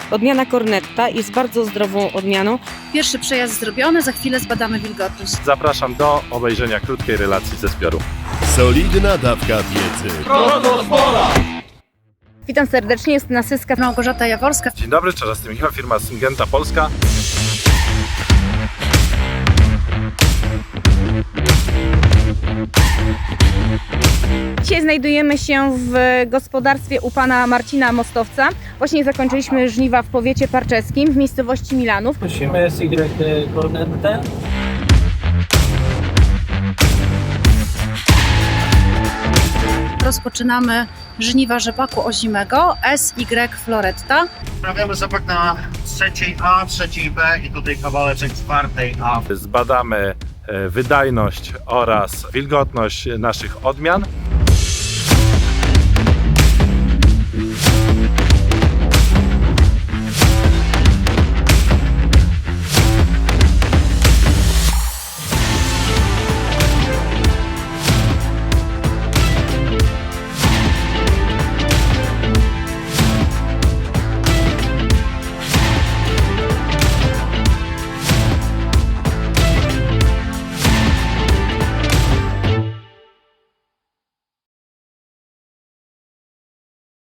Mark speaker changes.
Speaker 1: Odmiana Cornetta jest bardzo zdrową odmianą.
Speaker 2: Pierwszy przejazd zrobiony, za chwilę zbadamy wilgotność.
Speaker 3: Zapraszam do obejrzenia krótkiej relacji ze zbioru.
Speaker 4: Solidna dawka wiedzy.
Speaker 1: Witam serdecznie, jest Nasyska.
Speaker 2: Małgorzata Jaworska.
Speaker 3: Dzień dobry, Czarzasty Michał, firma Syngenta Polska.
Speaker 1: Dzisiaj znajdujemy się w gospodarstwie u pana Marcina Mostowca. Właśnie zakończyliśmy żniwa w powiecie parczeskim w miejscowości Milanów.
Speaker 5: Prosimy SY Cornettę.
Speaker 2: Rozpoczynamy żniwa rzepaku ozimego SY Floretta.
Speaker 6: Sprawiamy zapach na trzeciej A, trzeciej B i tutaj kawałeczek czwartej A.
Speaker 3: Zbadamy wydajność oraz wilgotność naszych odmian.